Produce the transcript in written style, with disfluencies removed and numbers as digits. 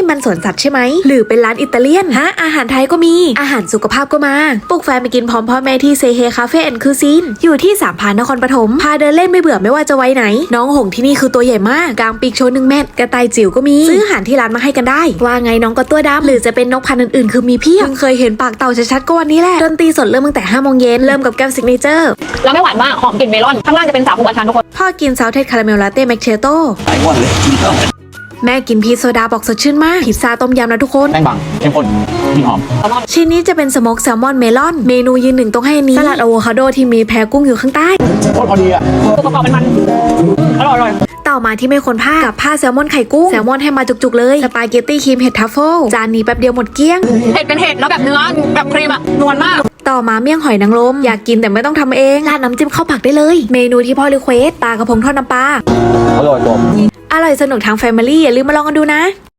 มันสวนสัตว์ใช่ไหมหรือเป็นร้านอิตาเลียนฮะอาหารไทยก็มีอาหารสุขภาพก็มาปลุกแฟนไปกินพร้อมพ่อแม่ที่เซเฮคาเฟ่แอนด์คูซีนอยู่ที่สามพรานนครปฐมพาเดินเล่นไม่เบื่อไม่ว่าจะไว้ไหนน้องหงที่นี่คือตัวใหญ่มากกลางปีกโชว์1 เมตรกระต่ายจิ๋วก็มีซื้ออาหารที่ร้านมาให้กันได้ว่าไงน้องก็ตัวดำหรือจะเป็นนกพันธุ์อื่นๆคือมีเพียบเคยเห็นปากเต่าชัดๆก็วันนี้แหละดนตรีสดเริ่มตั้งแต่5 โมงเย็นเริ่มกับแก้วซิกเนเจอร์แล้วไม่หวานมากหอมกลิ่นเมลอนข้างล่างจะเป็นสาคูอัญชันทุกคนพ่อกินซาวเทสคาราเมลลาเต้แมคเชโต้หายหมดเลยกินแล้วแม่กินพีชโซดาบอกสดชื่นมากพิซซ่าต้มยำนะทุกคนแป้งบางเข้มข้นมีหอมชิ้นนี้จะเป็นสโมกแซลมอนเมลอนเมนูยืนหนึ่งต้องให้อันนี้สลัดอะโวคาโดที่มีแพรกุ้งอยู่ข้างใต้โคตรพอดีอ่ะตัวประกอบมันอร่อยต่อมาที่ไม่ควรพลาดกับผ้าแซลมอนไข่กุ้งแซลมอนให้มาจุกๆเลยสปาเกตตี้ครีมเห็ดทัฟเฟิลจานนี้แป๊บเดียวหมดเกลี้ยงเห็ดเป็นเห็ดแล้วแบบเนื้อแบบครีมอะนวลมากต่อมาเมี่ยงหอยนางรมอยากกินแต่ไม่ต้องทำเองราดน้ำจิ้มข้าวผักได้เลยเมนูที่พ่อรีเควสปลากระพงทอดน้ำปลาอร่อยจบอร่อยสนุกทางแฟมิลี่อย่าลืมมาลองกันดูนะ